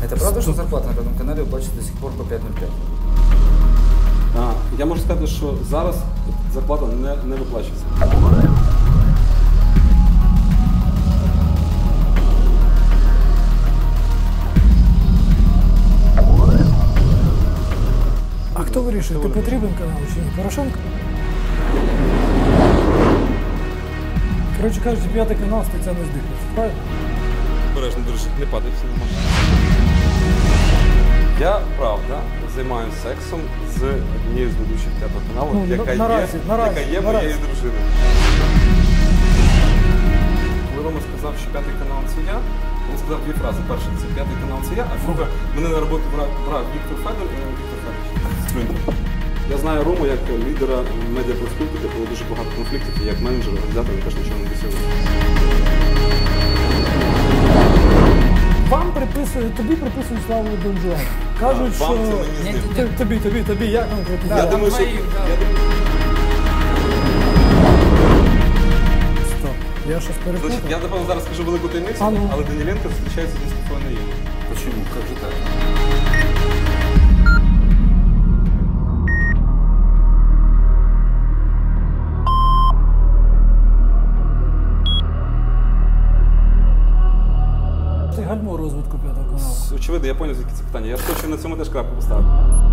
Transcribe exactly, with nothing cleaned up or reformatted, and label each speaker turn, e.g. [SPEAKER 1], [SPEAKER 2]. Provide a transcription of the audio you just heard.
[SPEAKER 1] Это правда, что зарплата на Пятом канале выплачивается до сих пор по п'ять нуль п'ять?
[SPEAKER 2] А, я можу сказати, що зараз зарплата не, не виплачується.
[SPEAKER 3] А хто вирішує, ти потрібен канал чи ні? Порошенко? Коротше кажучи, П'ятий канал стаття не здихається, правильно?
[SPEAKER 2] Бережно, друже, не падай, все нормально. Я, правда, займаюся сексом з однією з ведучих П'ятого каналу,
[SPEAKER 3] Ну,
[SPEAKER 2] яка,
[SPEAKER 3] наразі,
[SPEAKER 2] є,
[SPEAKER 3] наразі,
[SPEAKER 2] яка є
[SPEAKER 3] наразі.
[SPEAKER 2] моєю дружиною. Коли Рома сказав, що П'ятий канал це я, він сказав дві фрази. Перша, це П'ятий канал це я, а друга, мене на роботу брав, брав Віктор Федор, е, Віктор Федорович. Я знаю Рому як лідера медіапроспілки, де було дуже багато конфліктів, і як менеджер, організатор, він теж нічого не досягнув.
[SPEAKER 3] Вам приписують, тобі приписують славу Дон Жуана. Кажуть,
[SPEAKER 2] Вам
[SPEAKER 3] що...
[SPEAKER 2] це мені з ним.
[SPEAKER 3] Т- Тобі, тобі, тобі, як конкретно?
[SPEAKER 2] Я думаю, що... я думаю-
[SPEAKER 3] Стоп, я щось перепутав.
[SPEAKER 2] Значить, я, напевно, зараз скажу велику таємницю,
[SPEAKER 3] А ну.
[SPEAKER 2] але Даніленко зустрічається з Мустафою Наємом.
[SPEAKER 1] Почему? Как же так?
[SPEAKER 3] Ти гальмо розвитку П'ятого каналу.
[SPEAKER 2] Очевидно, я зрозумів, звідки це питання. Я хочу на цьому теж крапку поставити.